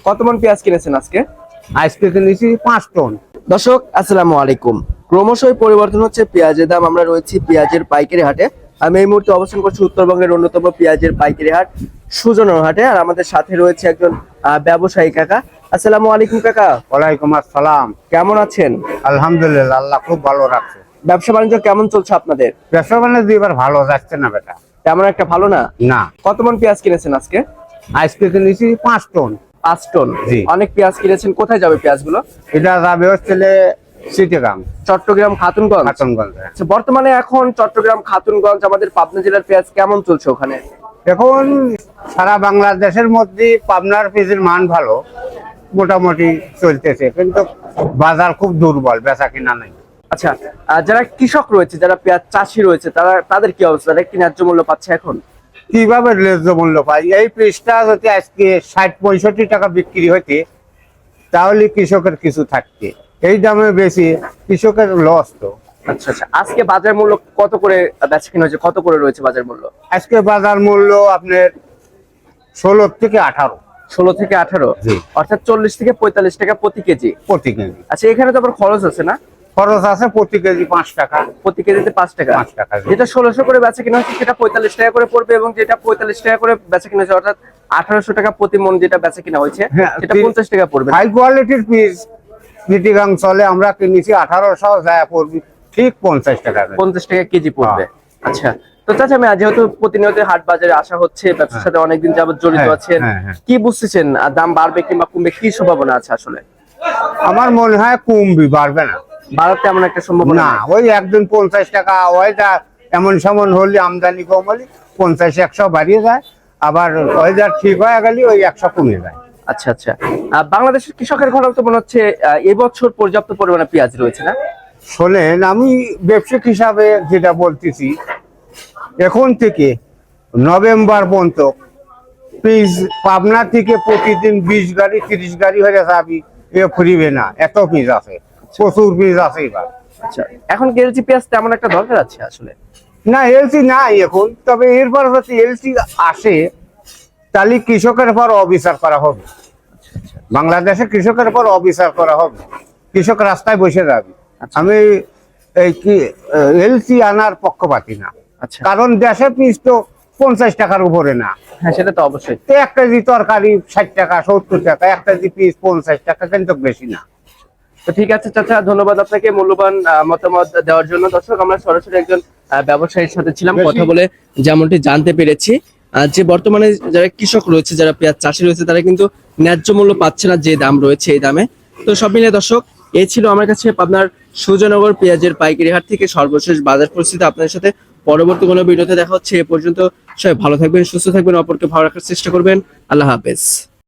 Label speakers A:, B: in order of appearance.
A: কত মন পেঁয়াজ কিনেছেন আজকে?
B: আজকে কিনেছি 5 টন।
A: দর্শক আসসালামু আলাইকুম। ক্রমশই পরিবর্তন হচ্ছে পেঁয়াজের দাম। আমরা রয়েছি পেঁয়াজের পাইকারি হাটে। আমি এই মুহূর্তে অবস্থান করছি উত্তরবঙ্গের অন্যতম পেঁয়াজের পাইকারি হাট সুজনের হাটে। আর আমাদের সাথে রয়েছে একজন ব্যবসায়ী কাকা। আসসালামু আলাইকুম কাকা।
B: ওয়ালাইকুম আসসালাম।
A: কেমন আছেন?
B: আলহামদুলিল্লাহ, আল্লাহ খুব ভালো রাখছে।
A: ব্যবসা বাণিজ্য কেমন চলছে আপনাদের?
B: ব্যবসা বাণিজ্য এবার ভালো যাচ্ছে না বেটা।
A: তেমন একটা ভালো না।
B: না,
A: কত মন পেঁয়াজ কিনেছেন আজকে?
B: আজকে কিনেছি 5 টন।
A: 5 টন।
B: জি।
A: অনেক পেঁয়াজ কিনেছেন। কোথায় যাবে পেঁয়াজগুলো?
B: এটা যাবে হচ্ছে চিটাগাং,
A: চট্টগ্রাম খাতুনগঞ্জ।
B: খাতুনগঞ্জ।
A: আচ্ছা, বর্তমানে এখন চট্টগ্রাম খাতুনগঞ্জ আমাদের পাবনা জেলার পেঁয়াজ কেমন চলছে ওখানে?
B: এখন সারা বাংলাদেশের মধ্যে পাবনার পেঁয়াজের মান ভালো, মোটামুটি চলতেছে, কিন্তু বাজার খুব দুর্বল, বেচা কিনা নাই।
A: আচ্ছা, যারা কৃষক রয়েছে, যারা পেঁয়াজ চাষি রয়েছে, তাদের কি অবস্থা? তারা কি ন্যায্য মূল্য পাচ্ছে এখন?
B: কিভাবে ন্যায্য মূল্য পাই? এই পেঁয়াজটা যদি আজকে 60-65 টাকা বিক্রি হইতে, তাহলে কৃষকের কিছু থাকতে। এই দামে বেশি কৃষকের লস তো।
A: আচ্ছা আচ্ছা, আজকে বাজার মূল্য কত করে বেচা কিনা হচ্ছে? কত করে রয়েছে বাজার মূল্য?
B: আজকে বাজার মূল্য আপনার 16 থেকে 18।
A: 16 থেকে 18,
B: জি।
A: অর্থাৎ 40 থেকে 45 টাকা প্রতি কেজি।
B: প্রতি কেজি
A: আচ্ছা, এখানে তো আবার খরচ আছে না?
B: খরচ আছে প্রতি কেজি 5 টাকা।
A: প্রতি কেজিতে 5 টাকা।
B: 5 টাকা, জি।
A: যেটা 1600 করে বেচা কিনা হচ্ছে সেটা 45 টাকা করে পড়বে, এবং যেটা 45 টাকা করে বেচা কিনা হচ্ছে অর্থাৎ 1800 টাকা প্রতি মন যেটা বেচা কিনা হয়েছে সেটা 50 টাকা পড়বে।
B: হাই কোয়ালিটির পিস চিটাগাং চলে, আমরা কিনেছি 1800, যায় পড়বে ঠিক 50 টাকা।
A: 50 টাকা কেজি পড়বে। আচ্ছা, তো চাচা, আমি যেহেতু প্রতিনিয়ত হাট বাজারে আসা হচ্ছে, ব্যবসার সাথে অনেকদিন যাবত জড়িত আছেন, কি বুঝতেছেন দাম বাড়বে কিংবা কমবে, কি সম্ভাবনা আছে আসলে?
B: আমার মনে হয় কমবি, বাড়বে না।
A: বাড়ার তেমন একটা সম্ভাবনা
B: না,
A: নেই।
B: ওই একদিন 50 টাকা, ওইটা এমন সমন হলে আমদানি কম হলে 50-100 বাড়িয়ে যায়, আবার ওয়েদার ঠিক হয়ে গেলে ওই 100 কমে যায়।
A: আচ্ছা আচ্ছা, বাংলাদেশের কৃষকের ঘরে তো মনে হচ্ছে এবছর পর্যাপ্ত পরিমাণে পেঁয়াজ রয়েছে না?
B: শোনেন, আমি ব্যবসায়িক হিসাবে যেটা বলতেছি, এখন থেকে নভেম্বর পর্যন্ত পিস পাবনা থেকে প্রতিদিন 20 গাড়ি 30 গাড়ি হয়ে যাবি, এ ফুরিবে না, এত পিস আছে, প্রচুর পিস আছে এবার।
A: আচ্ছা, এখন কি এলসি পেঁয়াজ তেমন একটা দরকার আছে আসলে?
B: না, এলসি নাই এখন, তবে এরপর যদি এলসি আসে তাহলে কৃষকের পর অবিচার করা হবে। বাংলাদেশে কৃষকের পর অবিচার করা হবে, কৃষক রাস্তায় বসে যাবে। আমি এই কি এলসি আনার পক্ষপাতী না।
A: আচ্ছা,
B: কারণ দেশে পিস তো 50 টাকার উপরে না।
A: হ্যাঁ, সেটা তো অবশ্যই।
B: তো 1 কেজি তরকারি 60 টাকা 70 টাকা, 1 কেজি পিস 50 টাকা, কিন্তু বেশি না।
A: তো ঠিক আছে চাচা, ধন্যবাদ আপনাকে মূল্যবান মতামত দেওয়ার জন্য। দর্শক, আমরা সরাসরি একজন ব্যবসায়ীর সাথে ছিলাম, কথা বলে যেমনটি জানতে পেরেছি যে বর্তমানে যারা কৃষক রয়েছে, যারা পেঁয়াজ চাষি রয়েছে, তারা কিন্তু ন্যায্য মূল্য পাচ্ছে না, যে দাম রয়েছে এই দামে। তো সব মিলিয়ে দর্শক, এই ছিল আমার কাছে আপনার সুজনগর পেঁয়াজের পাইকারি হাট থেকে সর্বশেষ বাজার পরিস্থিতি। আপনাদের সাথে পরবর্তী কোনো ভিডিওতে দেখা হচ্ছে। এ পর্যন্ত সবাই ভালো থাকবেন, সুস্থ থাকবেন, অপরকে ভালো রাখার চেষ্টা করবেন। আল্লাহ হাফেজ।